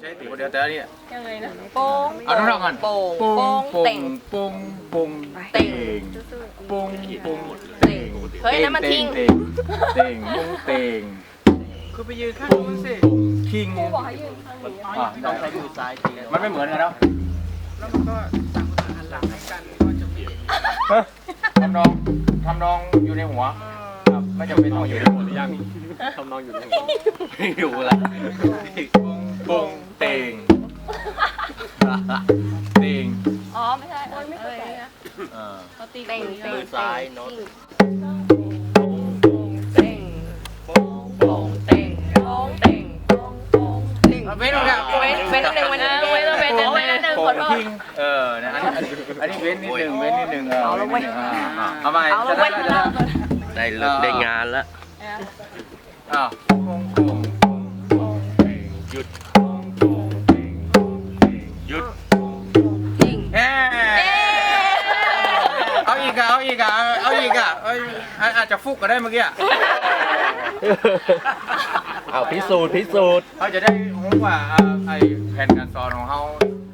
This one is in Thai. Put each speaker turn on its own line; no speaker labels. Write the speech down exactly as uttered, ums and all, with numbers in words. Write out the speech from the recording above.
ใช่ตีคนเดียวแต่อันนี้
ยังไงนะโป้ง
เอาทั้งๆกัน
โป้ง
ปุ้ง
โป้ง
ปุ้
เต่
ง
ง
ปุ้งปุ้ง
เต่ง
ปุ้งปุ้ง
เต่งเฮ้ยนั่นมันทิ้ง
เต่งเต่งปุ้งเต่ง
คือไปยืนข้าง
ปุ้ง
นู้นสิ
ปุ้งทิ้งอ่ะ
ต้องไปดูซ้ายทีแล้ว
มันไม่เหมือนกันแล้ว
แล้วมันก็ต่างคนต่างหันหลังให้กันก็จะไม่เห็น
ทำนองทำนองอยู่ในหัวครับไม่จำเป็นต้องอยู่ในหัวหรือยัง
ทำนองอยู่ในหัวไม่อยู่ละ
ปุ้งปุ้งเต่งเต่ง
อ๋อไม่ใช่โอ้ยไม่เข้าใจนะ
เออ
เขาตีเต่งเต่ง
มือซ้ายโน้ต
เต่งโป้งโป้งเต่งโป้งเต่งโป้งโป้งเต่ง
เว้นตรงนี้
เว้นเว้นหนึ่งเว้นหนึ่งเว้นเว้นหนึ่งเว้นหนึ่งขอโทษ
ทิ้งเออนะอันนี้อันนี้เว้นนิดนึงเว้นนิดนึงเออ
เอาละเว้ย
เอาใหม่
เอา
จะ
ละ
ได้
เว้น
จะได้
ได้เลิกได้งานแล้ว
อ้าวปุ้งปุ้งปุ้งหยุดปุ้งปุ้งหยุด
จริง
เอ๊เอาอีกอะเอาอีกอะเอาอีกอะเอ้ยอาจจะฟุกก็ได้เมื่อกี้
เอาพิสูจน์พิสูจน์
เขาจะได้รู้ว่าไอ้แผนการสอนของเขา